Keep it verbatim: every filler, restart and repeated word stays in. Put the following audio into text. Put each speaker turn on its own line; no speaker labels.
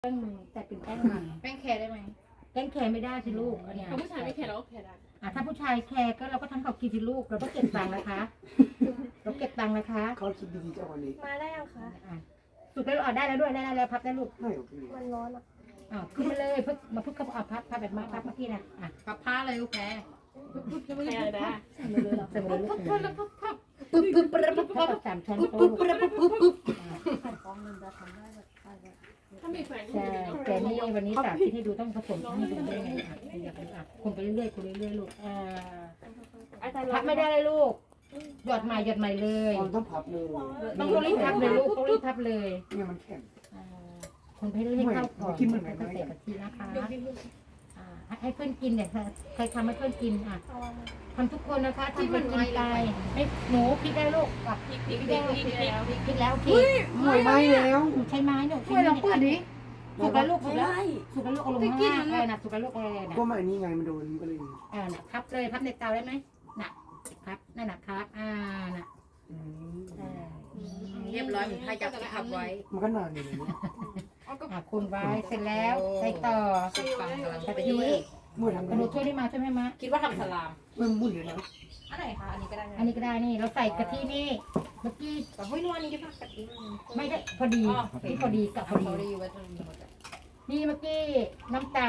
แป้งมันแต่เป็นแป้งมัน
แป้งแคร์ได้ไหม
แป้งแคร์ไม่ได้สิลูกอันเนี้ย
ถ้าผู้ชายไม่แคร์เราก็แคร์ได้
อ่ะถ้าผู้ชายแคร์ก็เราก็ทำเขากินสิลูกเราต้องเก็บตังค์นะคะ เราเก็บตังค์นะคะ
เขาคิดดีๆจังวันนี้
มาได้ยังคะ
อ่ะสุดแล้วอ่ะได้แล้วด้วยได้แล้วพับได้ลูก
ไม่โอเค
มันร้อนอ่ะ
อ่ะขึ้นมาเลยพึ่งมาพึ่งเขาอ่ะพับพับแบบมาพับเมื่อกี้นะอ่ะ
พับผ้าเลยลูกแคร์แคร์ได้
ใส่มาเลยเหรอใส่มาเลยลูกปึ๊บปึ๊บปึ๊บปึ๊บปึ๊บปึ๊บปึ๊บสามช้อนโต๊ะปึ๊บปึ๊บปึ๊บปึ๊บ
ถ้ามีแฟน
ใช่แต่นี่วันนี้สาธิตให้ดูต้องผสมให้ดูได้ไงอ่ะอยากดูอ่ะคนไปเรื่อยๆคนเรื่อยๆลูกอ่าพับไม่ได้เลยลูกหยอดใหม่หยอดใหม่เลย
มันต้องพับเลย
ต้องรีบพับเลยลูกต้องรีบพับเลย
เนี่ยมันแข็ง
อ่าคนไปเรื่อยๆเข้าก่อน
กินเหมือนไหน
ใส่กะทินะคะ
ยกนิ้ว
อ่าให้เพื่อนกินเนี่ยใครทำให้เพื่อนกินอ่ะ
เอามา
ทำทุกคนนะคะทำไปกินไปไม่หนูพริกได้ลูกอ่ะ
พริกพริกพริกพริกแล้วพริก
พริกแล้วพริก
หน่วยไหม้แล้ว
ใช้ไม้หนูใช้ไม้เปิดดิสุกแล้วลูกสุกแล้วสุกแล้วลูกเอาลงข้างล่างเออน่ะสุกแล้วลูกเออน่ะ
ก็มาอันนี้ไงมันโดนก็เลย
เออน่ะพับเลยพับในเตาได้ไหมน่ะพับนั่นน่ะครับอ่าน่ะ
อืม
เออ
เรียบร้อยเหมือนใครจับที่ขับไว้
มันก็นานอยู่เลยเนี่ย
อ่ะคุณไว้เสร็จแล้วใส่ต่อ
ฟังกำลัง
กะ
ไป
ทิ
ด้วย
เมื่อทำ
ก
กั
ระ
น
ดูกช่วยได้มาช่วยไหมมะ
คิดว่าทำสลาม
มันมุ่นเลยนะ
อันไหนคะอันนี้ก็ได้
อันนี้ก็ได้นี่เราใส่กะทินี่เมื่อกี้
แต่เฮ้ยนวลนี้ได้ป่ะกะทิ
ไม่ได้พอดีที่พอดีกับพอ
เขา
ดี
ได้อยู่ไว้ตรงนี้หมด
นี่เมื่อกี้น้ำตาล